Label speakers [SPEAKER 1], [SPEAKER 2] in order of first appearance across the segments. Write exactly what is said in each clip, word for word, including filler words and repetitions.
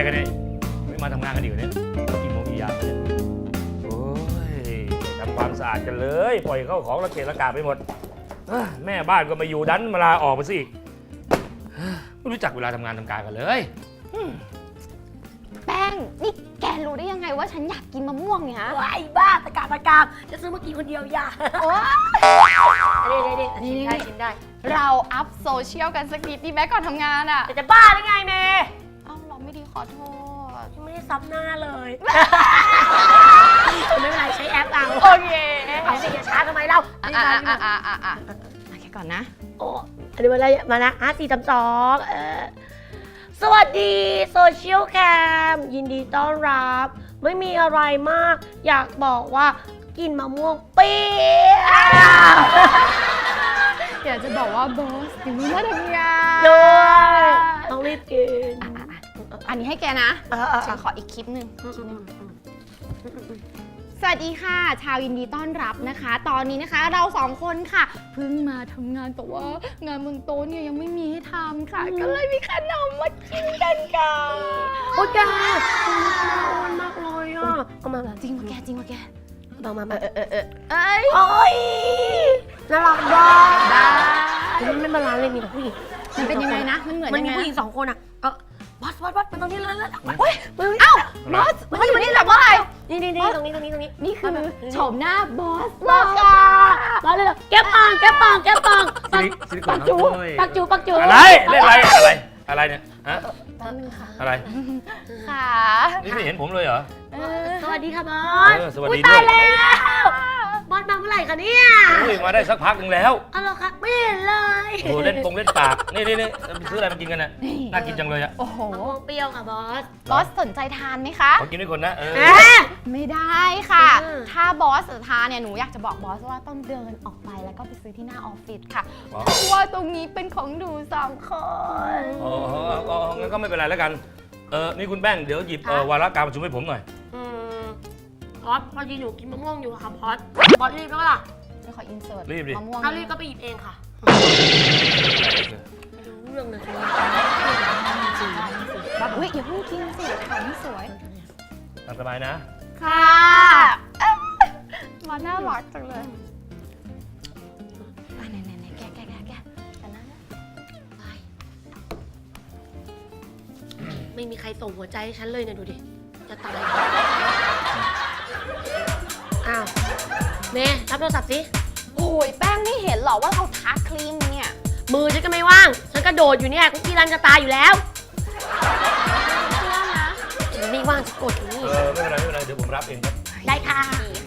[SPEAKER 1] กันเนี่ยไม่มาทำงานกันอีกเนี่ยกี่โมงกี่ยามเนี่ยโอ้ยทำความสะอาดกันเลยปล่อยเข้าของระเกะระกาไปหมดแม่บ้านก็มาอยู่ดันมาลาออกไปสิไม่รู้จักเวลาทำงานทำการกันเลย
[SPEAKER 2] แป้งนี่แกรู้ได้ยังไงว่าฉันอยากกินมะม่วงเนี่ยฮะ
[SPEAKER 3] ไอ้บ้าตะกาตะกามจะซื้อมากินคนเดียวอย่าโอ้ยเด็ดๆชิมได้ชิมได้
[SPEAKER 2] เราอัพโซเชียลกันสักนิดดีไหมก่อนทำงานอ่ะ
[SPEAKER 3] แต่จะบ้าได้ไงเมย์
[SPEAKER 2] เอ้าเราไม่ดีขอโทษ
[SPEAKER 3] ไม่ได้ซับหน้าเลยไม่เป็นไรใช้แอปเอา
[SPEAKER 2] โอเค
[SPEAKER 3] เอาสิอย่าช้าทำไมเรา
[SPEAKER 2] อ่ะอ่ะอ่ะอ่ะอ่ะอ่ะแค่ก่อนนะ
[SPEAKER 3] โอ้อันนี้มาแล้วมานะห้าสี่สามสองเออสวัสดีโซเชียลแคมยินดีต้อนรับไม่มีอะไรมากอยากบอกว่ากินมะม่วงเปรี้ยว
[SPEAKER 2] อยากจะบอกว่าบอสถึงมาทำงาน
[SPEAKER 3] ด้วยต้องรีบกิน
[SPEAKER 2] อันนี้ให้แกนะฉันขออีกคลิปหนึ่งสวัสดีค่ะชาวยินดีต้อนรับนะคะตอนนี้นะคะเราสองคนค่ะเพิ่งมาทำงานแต่ว่างานบนโต๊ะเนี่ยยังไม่มีให้ทำค่ะก็เลยมีขนมมากินกันค่ะ
[SPEAKER 3] โอ้แกมันมากเลยอ่ะเอามา
[SPEAKER 2] จริงมาแกจริงมาแก
[SPEAKER 3] ลองมามาเออเออเออ
[SPEAKER 2] เอ้ย
[SPEAKER 3] โอ้ยน่ารักมากได้มันไม่บาลานซ์เลยมีแต่ผู้หญิง
[SPEAKER 2] มันเป็นยังไงนะมันเหมือน
[SPEAKER 3] มัน
[SPEAKER 2] ยัง
[SPEAKER 3] มี
[SPEAKER 2] ไง
[SPEAKER 3] ผู้หญิงสองคนอ่ะเออบอสบอสบอสมันตรงนี้เลยแล้ว
[SPEAKER 2] เฮ้ยเอ้าบอสบอสอยู่นี่แบบว่าอะไร
[SPEAKER 3] นี่นี่นี่ตรงนี้ตรงนี้ตรงนี้
[SPEAKER 2] นี่คือโฉมหน้าบอส
[SPEAKER 3] บอสค่ะบอสเลยแก้ปองแก้ปองแก้ปอง
[SPEAKER 1] ปัก
[SPEAKER 3] จูปักจูปักจู
[SPEAKER 1] อะไรเล่นอะไรอะไรอะไรเนี่ยฮะอะไร
[SPEAKER 2] ค่ะ
[SPEAKER 1] นี่ไม่เห็นผมเลยเหรอ
[SPEAKER 3] สวัสดีค่ะบอส
[SPEAKER 1] สวัสดีด้วย
[SPEAKER 3] ตายแล้วบอสมาเมื่อไหร่คะเนี่ย
[SPEAKER 1] มาได้สักพักหนึ่งแล้ว
[SPEAKER 3] อ๋อเหรอคะไม่เห็นเลย
[SPEAKER 1] โอ้เล่นปงเล่นปากนี่นี่นี่ซื้ออะไรมากินกันน่ะน่ากินจังเลยอ่ะ
[SPEAKER 2] โอ้โห
[SPEAKER 3] เปรี้ยวค่ะบอส
[SPEAKER 2] บอสสนใจทานไหมคะ
[SPEAKER 1] ขอกินด้วยคนนะเออ
[SPEAKER 2] ไม่ได้ค่ะถ้าบอสทานเนี่ยหนูอยากจะบอกบอสว่าต้องเดินออกไปแล้วก็ไปซื้อที่หน้าออฟฟิศค่ะเพราะว่าตรงนี้เป็นของหนูสองคน
[SPEAKER 1] อ๋องั้นก็ไม่เป็นไรแล้วกันเออนี่คุณแป้งเดี๋ยวหยิบวาระการประชุมให้ผมหน่อย
[SPEAKER 3] บอสพอดีหนูกินมะม่วงอยู่ค่ะบอสบอสรีบแล้วล่ะ
[SPEAKER 2] ไม่ขออินเสิร์ต
[SPEAKER 1] รีบดิ
[SPEAKER 2] มะม่วง
[SPEAKER 3] ถ้ารีบก็ไปหยิบเองค่ะไม่รู้เรื่องเลย
[SPEAKER 2] แบบอุ้ยอย่าเพิ่งกินสิถ่ายไม่สวย
[SPEAKER 1] ตามสบายนะ
[SPEAKER 2] ค่ะมาน่ารักจังเลยไหนไหนไหนแกแกแกแกแต่นั่น
[SPEAKER 3] ไม่มีใครส่งหัวใจให้ฉันเลยเนี่ยดูดิจะตายอ้าวเมย์รับโทรศัพท์สิ
[SPEAKER 2] โอ้ยแป้งไม่เห็นหรอว่าเราทาครีมเนี่ย
[SPEAKER 3] มือฉันก็ไม่ว่างฉันกระโดดอยู่เนี่ยคุกกี้รันจะตายอยู่แล้วฉันไม่ว่างจะกดอยู่นี่
[SPEAKER 1] เออไม่เป็นไรไม่เป็นไรเดี๋ยวผมรับเองครับ
[SPEAKER 3] ได้ค่ะ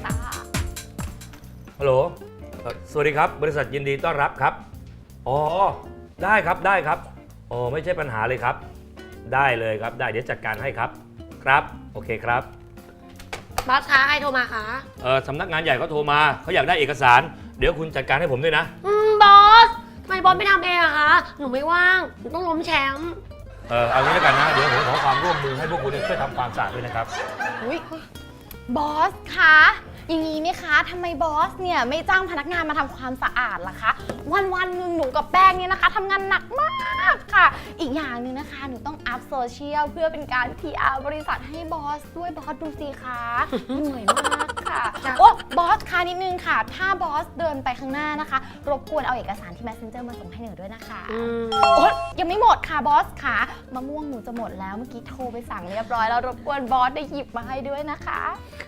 [SPEAKER 1] ฮัลโหลสวัสดีครับบริษัทยินดีต้อนรับครับอ๋อได้ครับได้ครับอ๋อไม่ใช่ปัญหาเลยครับได้เลยครับได้เดี๋ยวจัดการให้ครับครับโอเคครับ
[SPEAKER 3] บอสคะใครโทรมาคะ
[SPEAKER 1] เออสำนักงานใหญ่เขาโทรมาเขาอยากได้เอกสารเดี๋ยวคุณจัดการให้ผมด้วยนะ
[SPEAKER 3] อืมบอสทำไมบอสไม่ทำเองอะคะหนูไม่ว่างหนูต้องล้มแชมป์
[SPEAKER 1] เออเอางี้แล้วกันนะเดี๋ยวผมขอความร่วมมือให้พวกคุณช่วยทำความสะอาดด้วยนะครับ
[SPEAKER 2] อุ้ยบอสคะอย่างนี้ไหมคะทำไมบอสเนี่ยไม่จ้างพนักงานมาทำความสะอาดล่ะคะวันวันหนึ่งหนูกับแป้งเนี่ยนะคะทำงานหนักมากค่ะอีกอย่างหนึ่งนะคะหนูต้องอัพโซเชียลเพื่อเป็นการ พี อาร์ บริษัทให้บอสด้วยบอสดูสิคะเหนื่อยมากค่ะโอ้บอสคะนิดนึงค่ะถ้าบอสเดินไปข้างหน้านะคะรบกวนเอาเอกสารที่ Messenger มาส่งให้หนูด้วยนะคะโอ้ยังไม่หมดค่ะบอสค่ะมะม่วงหนูจะหมดแล้วเมื่อกี้โทรไปสั่งเรียบร้อยแล้วรบกวนบอสได้หยิบมาให้ด้วยนะคะ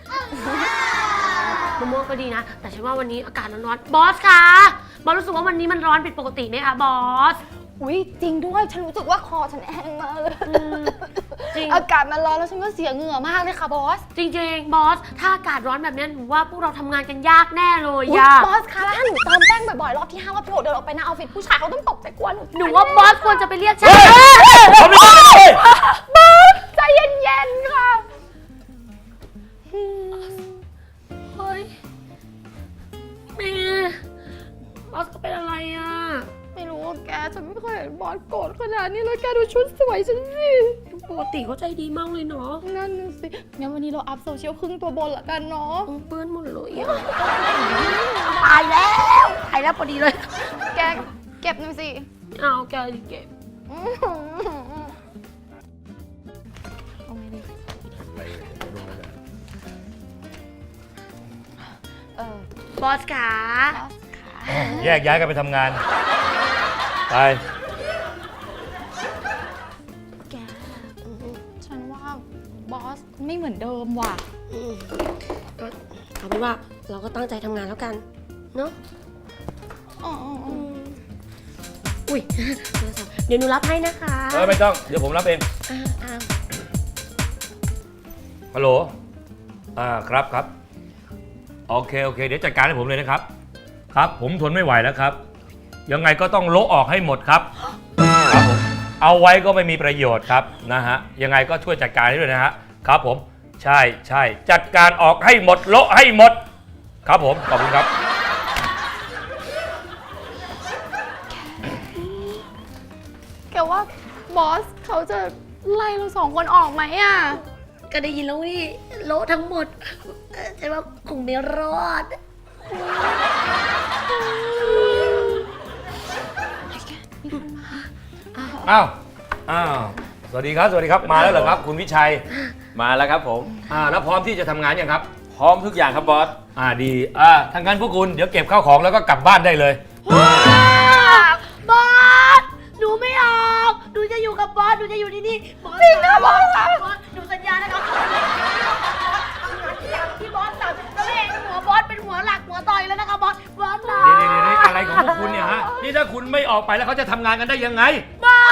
[SPEAKER 3] มะม่วงก็ดีนะแต่ฉันว่าวันนี้อากาศร้อนๆบอสคะบอสรู้สึกว่าวันนี้มันร้อนผิดปกติไหมคะบอส
[SPEAKER 2] อุ้ยจริงด้วยฉันรู้สึกว่าคอฉันแห้งมากเลยจริงอากาศมันร้อนแล้วฉันก็เสียเหงื่อมากเลยค่ะบอส
[SPEAKER 3] จริงๆบอสถ้าอากาศร้อนแบบนี้หนูว่าพวกเราทำงานกันยากแน่เลย
[SPEAKER 2] ยากบอสคะถ้าหนูเติมแป้งบ่อยๆรอบที่ห้ารอบที่หกเดินออกไปหน้าออฟฟิศผู้ชายเขาต้องตกใจกลัวหนู
[SPEAKER 3] หนูว่าบอสควรจะไปเรียกฉัน
[SPEAKER 2] บอสใจเย็นๆค่ะ
[SPEAKER 3] เฮ้ยแม่บอสก็เป็นอะไรอ่ะ
[SPEAKER 2] ไม่รู้แกฉันไม่เคยเห็นบอสโกรธขนาดนี้เลยแกดูชุดสวยฉันสิ
[SPEAKER 3] ปกติเขาใจดีมากเลยเนาะ
[SPEAKER 2] นั่นสิงั้นวันนี้เราอัพโซเชียลครึ่งตัวบนละกันเนาะ
[SPEAKER 3] เปื้อนหมดเลยตายแล้วตายแล้วพอดีเลย
[SPEAKER 2] แกเก็บหน่อยสิ
[SPEAKER 3] เอาแกเก็บบอสขา
[SPEAKER 2] บอสค่ะ
[SPEAKER 1] แยกย้ายกันไปทำงาน ไป
[SPEAKER 2] แกฉันว่าบอสไม่เหมือนเดิมว่ะ
[SPEAKER 3] อืมก็เอาเป็นว่าเราก็ตั้งใจทำงานแล้วกัน เนาะ
[SPEAKER 2] อ๋อ
[SPEAKER 3] อืมอุ้ยโทรศัพท์เดี๋ยวหนูรับให้นะคะ
[SPEAKER 1] เออไม่ต้อง เดี๋ยวผมรับเอง
[SPEAKER 3] อ่าอ่า
[SPEAKER 1] ฮัลโหล อ่า ครับครับ โอเค โอเค เดี๋ยวจัดการให้ผมเลยนะครับ ครับ ผมทนไม่ไหวแล้วครับ ยังไงก็ต้องโละออกให้หมดครับ ครับผม เอาไว้ก็ไม่มีประโยชน์ครับนะฮะ ยังไงก็ช่วยจัดการให้ด้วยนะฮะ ครับผม ใช่ใช่ จัดการออกให้หมด โละให้หมด ครับผม ขอบคุณครับ
[SPEAKER 2] แกว่าบอสเขาจะไล่เราสองคนออกไหมอ่ะ
[SPEAKER 3] ก็ได้ยินแล้วนี่โละทั้งหมดเอ่อฉันว่าคงไม่รอด
[SPEAKER 1] อ้าว อ้าว สวัสดีครับ สวัสดีครับ มาแล้วเหรอครับ คุณวิชัย
[SPEAKER 4] มาแล้วครับผม
[SPEAKER 1] อ่า แล้วพร้อมที่จะทำงานยังครับ
[SPEAKER 4] พร้อมทุกอย่างครับบอส
[SPEAKER 1] อ่า ดี อ่าทางการพวกคุณ เดี๋ยวเก็บข้าวของแล้วก็กลับบ้านได้เลย
[SPEAKER 3] บอส หนูไม่ออก หนูจะอยู่กับบอส หนูจะอยู่ที่นี่ บอสจริงนะบอสบอส หนูสัญญานะคะทำงานทุกอย่างที่บอสสั่งจะไม่เห็นหัวบอสเป็นหัวหลักหัวต่อยแล้วนะคะบอส บอสนะ
[SPEAKER 1] เดี๋ยวเดี๋ยวเดี๋ยวอะไรของพวกคุณเนี่ยฮะ นี่ถ้าคุณไม่ออกไปแล้วเขาจะทำงานกันได้ยังไง
[SPEAKER 3] บอ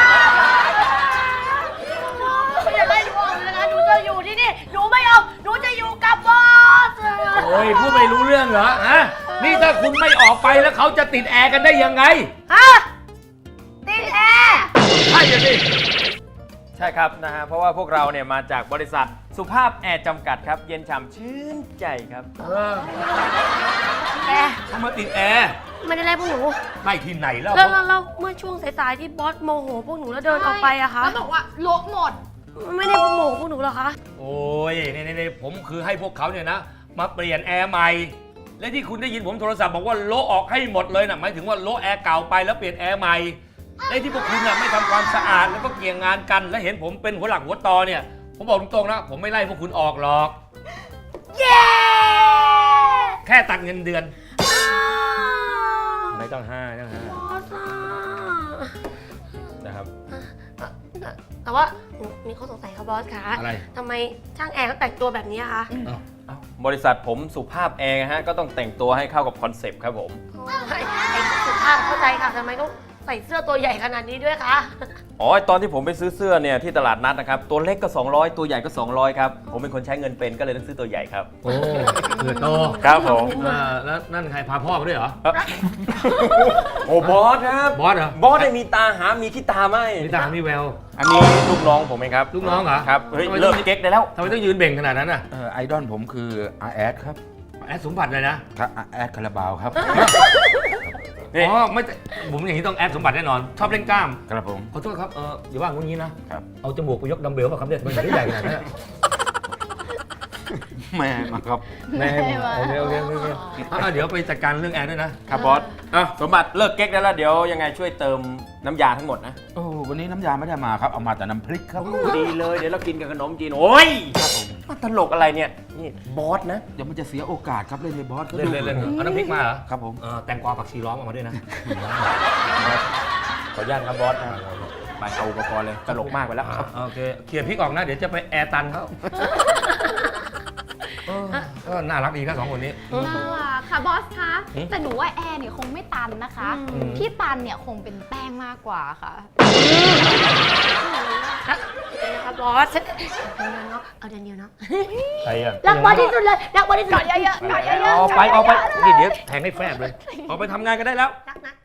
[SPEAKER 3] สไม่อยากไล่หนูออกเลยนะคะ หนูจะอยู่ที่นี่ หนูไม่ออก หนูจะอยู่กับบอส
[SPEAKER 1] โอ้ยพูดไม่รู้เรื่องเหรอฮะ นี่ถ้าคุณไม่ออกไปแล้วเขาจะติดแอร์กันได้ยังไง
[SPEAKER 3] ฮะติดแอร์
[SPEAKER 1] ใช่สิ
[SPEAKER 4] ใช่ครับนะฮะ เพราะว่าพวกเราเนี่ยมาจากบริษัทสุภาพแอร์จำกัดครับ เย็นฉ่ำชื่นใจครับ
[SPEAKER 1] เออ
[SPEAKER 3] แอร์
[SPEAKER 1] เขามาติดแอร์
[SPEAKER 3] ไม่ได้ไล่พวกหนู
[SPEAKER 1] ไม่ที่ไหนแล้ว
[SPEAKER 3] แล้วแล้วแล้วเมื่อช่วงสายๆที่บอสโมโหพวกหนูแล้วเดินออกไปอะคะ
[SPEAKER 2] แล้วบอกว่าโละหมด
[SPEAKER 3] ไม่ได้โมโหพวกหนูหรอคะ
[SPEAKER 1] โอ้ยนี่นี่นี่ผมคือให้พวกเขาเนี่ยนะ มาเปลี่ยนแอร์ใหม่ และที่คุณได้ยินผมโทรศัพท์บอกว่าโละออกให้หมดเลยนะหมายถึงว่าโละแอร์เก่าไปแล้วเปลี่ยนแอร์ใหม่และที่พวกคุณน่ะไม่ทำความสะอาดแล้วก็เกี่ยงงานกัน และเห็นผมเป็นหัวหลักหัวตอเนี่ย ผมบอกตรงๆนะ ผมไม่ไล่พวกคุณออกหรอก
[SPEAKER 3] เย้
[SPEAKER 1] แค่ตัดเงินเดือน ไม่ต้องห้าไม่ต้องห้า
[SPEAKER 3] บอสอะ
[SPEAKER 1] นะครับ
[SPEAKER 3] แต่ว่ามีข้อสงสัยค่ะบอสคะ
[SPEAKER 1] อะไร
[SPEAKER 3] ทำไมช่างแอร์เขาแต่งตัวแบบนี้อะคะ
[SPEAKER 1] เอ้า
[SPEAKER 4] เอ้าบริษัทผมสุภาพแอร์ฮะ ก็ต้องแต่งตัวให้เข้ากับคอนเซปต์ครับผม
[SPEAKER 3] โอ้ยไอ้สุภาพเข้าใจค่ะทำไมต้องใส่เสื้อตัวใหญ่ขนาดนี้ด้วยคะ
[SPEAKER 4] อ๋อตอนที่ผมไปซื้อเสื้อเนี่ยที่ตลาดนัดนะครับ ตัวเล็กก็ สองร้อย ตัวใหญ่ก็ สองร้อย ครับ ผมเป็นคนใช้เงินเป็นก็เลยต้องซื้อตัวใหญ่ครับ
[SPEAKER 1] โอ้เกิดโต
[SPEAKER 4] ครับผม
[SPEAKER 1] อ่าแล้วนั่นใครพาพ่อมาด้วยเหรอ
[SPEAKER 4] โอ้บอสครับ
[SPEAKER 1] บอสเหรอ
[SPEAKER 4] บอสได้มีตาหามีขี้ตาไหม
[SPEAKER 1] มีตามีแวว
[SPEAKER 4] อันนี้ลูกน้องผมเองครับ
[SPEAKER 1] ลูกน้องเหรอ
[SPEAKER 4] ครับ เฮ้ย
[SPEAKER 1] ทำไมต้
[SPEAKER 4] เลิ
[SPEAKER 1] อง
[SPEAKER 4] กเก๊กได้แล้ว
[SPEAKER 1] ทำไมต้องยืนเบ่งขนาดนั้นน่ะ
[SPEAKER 5] เอ่อไอดอลผมคืออาแอดครับ
[SPEAKER 1] แอดสมบัติเลยนะ
[SPEAKER 5] ครับอาแอดคาราบาวครับ
[SPEAKER 4] นี่
[SPEAKER 1] อ๋อไม่แต่ผมอย่างนี้ต้องแอดสมบัติแน่นอน ชอบเล่นกล้าม
[SPEAKER 5] ครับผม
[SPEAKER 1] ขอโทษครับ เอออย่าว่างูงี้นะ ครับ เอาจมูกไปยกดัมเบลป่ะครับเนี่ยมันไม่ได้ใหญ่ขนาดนั้นอะ
[SPEAKER 5] แม่มาครับ
[SPEAKER 1] แน่โอเคโอเคโอเคโอเคอ่ะเดี๋ยวไปจัดการเรื่องแอร์ด้วยนะ
[SPEAKER 4] ครับบอสอ่ะสมบัติเลิกเก๊กได้แล้ว เดี๋ยวยังไงช่วยเติมน้ำยาทั้งหมดนะ
[SPEAKER 5] โอ้วันนี้น้ำยาไม่ได้มาครับ เอามาแต่น้ำพริกครับ
[SPEAKER 4] ดีเลย เดี๋ยวเรากินกับขนมจีน โอ้ย
[SPEAKER 5] ครับผม
[SPEAKER 4] มาตลกอะไรเนี่ย นี่บอสนะ
[SPEAKER 5] เดี๋ยวมันจะเสียโอกาสครับเล่นในบอส
[SPEAKER 1] เล่นเล่นเล่นเอาน้ำพริกมาเหรอ
[SPEAKER 5] ครับผม
[SPEAKER 1] เออแตงกวาผักชีร้องออกมาด้วยนะ
[SPEAKER 4] ขออนุญาตครับบอสนะไปเอาอุปกรณ์เลย ตลกมากไปแล้ว
[SPEAKER 1] อ่ะโอเคเคลียร์พริกออกนะ เดี๋ยวจะไปแอร์ตันเขาเออก็น่ารักดีครับสองคนนี้
[SPEAKER 2] น่ารักค่ะบอสคะ
[SPEAKER 1] หืม
[SPEAKER 2] แต่หนูว่าแอร์เนี่ยคงไม่ตันนะคะ
[SPEAKER 1] อืม
[SPEAKER 2] ที่ตันเนี่ยคงเป็นแป้งมากกว่าค่ะ
[SPEAKER 3] ครับเป็นนะคะบอสเนาะเอาเดือนเดียวเนาะ
[SPEAKER 1] ใครอ่ะ
[SPEAKER 3] รักบอสที่สุดเลยรักบอสที่สุด
[SPEAKER 2] เยอะๆเยอะๆ
[SPEAKER 1] เอาไปเอาไปนี่เดี๋ยวแทงให้แฟบเลย เอาไปทำงานกันได้แล้ว
[SPEAKER 3] รักนะ